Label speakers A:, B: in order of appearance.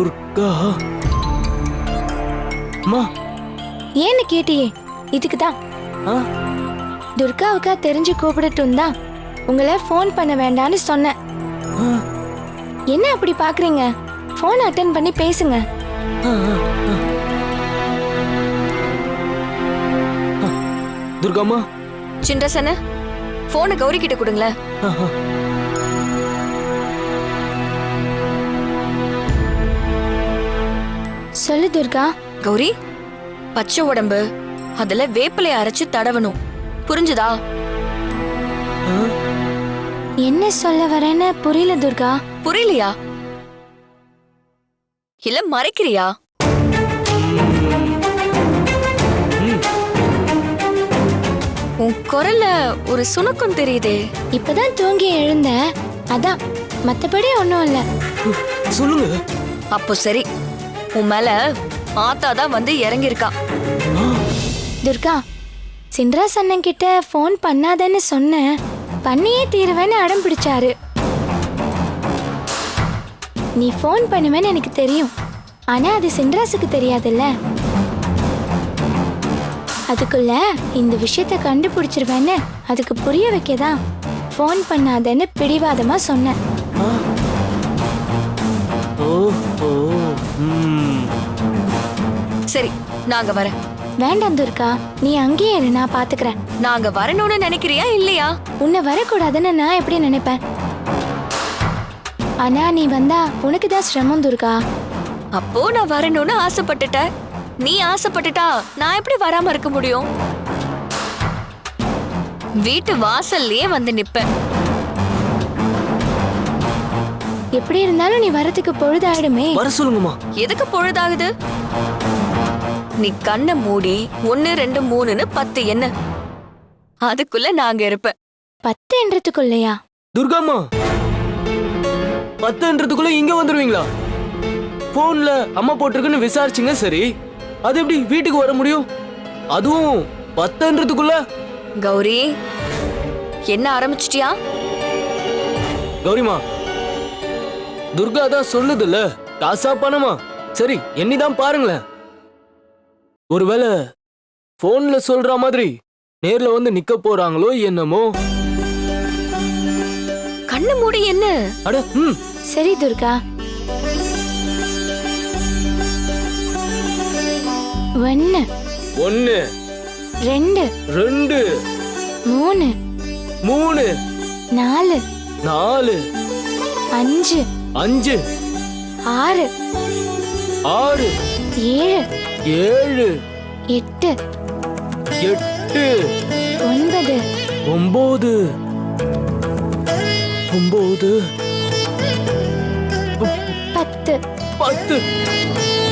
A: துர்கா அம்மா.
B: ஏன்னு கேட்டியே, இதுக்குதான்.
A: ஆ?
B: துர்காவுக்கா தெரிஞ்சு கூப்பிடட்டும் தான் உங்களை ஃபோன் பண்ண வேண்டான்னு சொன்னேன்.
A: ஆ,
B: என்ன அப்படி பாக்குறீங்க? ஃபோன் அட்டென்ட் பண்ணி பேசுங்க.
A: ஆ, ஆ, ஆ. துர்காம்மா.
C: சின்ரசன போனை கௌரி கிட்ட கொடுங்களேன்.
A: ஆ, ஆ.
B: சொல்லு துர்கா.
C: கௌரி, பச்சை உடம்பு அதுல வேப்பிலை அரைச்சு தடவணும், புரிஞ்சுதா?
A: ஆ?
B: என்ன சொல்ல வரேன்னு புரியல துர்கா.
C: புரியலையா? இல்ல மறைக்கிறியா? உன் குரல்ல ஒரு சுணக்கம் தெரியுதே.
B: இப்பதான் தூங்கி எழுந்த, அதான், மத்தபடி ஒண்ணும் இல்ல.
A: சொல்லுங்க.
C: அப்போ சரி, உன் மேல ஆத்தாதான் வந்து இறங்கியிருக்கா.
A: ஆ,
B: துர்கா, சின்ராஸ் அண்ணன் கிட்ட ஃபோன் பண்ணாதேன்னு சொன்னேன். பண்ணியே தீருவேன்னு அடம் பிடிச்சாரு. நீ ஃபோன் பண்ணுவேன்னு எனக்கு தெரியும், ஆனா அது சின்ராஸுக்கு தெரியாதுல்ல. அதுக்குள்ள இந்த விஷயத்த கண்டுபிடிச்சிருவேன்னு அதுக்கு புரிய வைக்கதான் ஃபோன் பண்ணாதேன்னு பிடிவாதமா சொன்னேன்.
A: ஆ. ஓ, ஓ, ம்.
C: சரி, நாங்க வரேன்.
B: வேண்டாம் துர்கா, நீ அங்கேயே இரு, நான் பாத்துக்கிறேன்.
C: நாங்க வரணும்னு நினைக்கிறியா இல்லையா?
B: உன்னை வரக்கூடாதுன்னு நான் எப்படி நினைப்பேன்? ஆனா நீ வந்தா உனக்கு தான் சிரமம் துர்கா.
C: அப்போ நான் வரணும்னு ஆசைப்பட்டுட்ட. நீ ஆசைப்பட்டுட்டா நான் எப்படி வராம இருக்க முடியும்? வீட்டு வாசல்லயே வந்து நிப்பேன்.
B: எப்படி இருந்தாலும் நீ வரதுக்கு பொழுதாயிடுமே.
A: வர சொல்லுங்கம்மா.
C: எதுக்கு பொழுதாகுது? நீ கண்ணை மூடி 1 2 3ன்னு 10 என்ன, அதுக்குள்ள நாங்க இருப்பேன்.
B: 10
A: துர்காம்மா, 10ன்றதுக்குள்ள இங்க வந்துருவீங்களா? போன்ல அம்மா போட்டிருக்குன்னு விசாரிச்சுங்க. சரி, அது எப்படி வீட்டுக்கு வர முடியும்? அதுவும் 10ன்றதுக்குள்ள?
C: கௌரி, என்ன ஆரம்பிச்சிட்டியா?
A: கௌரிமா, துர்கா தான் சொல்லுதுல்ல, காசா பணமா? சரி, எண்ணிதான் பாருங்களேன். ஒருவேளை போன்ல சொல்ற மாதிரி நேர்ல வந்து நிக்க போறாங்களோ என்னமோ.
C: கண்ணு மூடி என்ன?
A: அட, ம்.
B: சரி துர்கா. 1
A: 1
B: 2
A: 2
B: 3
A: 3
B: 4
A: 4
B: 5
A: 5
B: 6
A: 6
B: 7
A: 7
B: 8
A: 8
B: 9
A: 9 9
B: 10
A: 10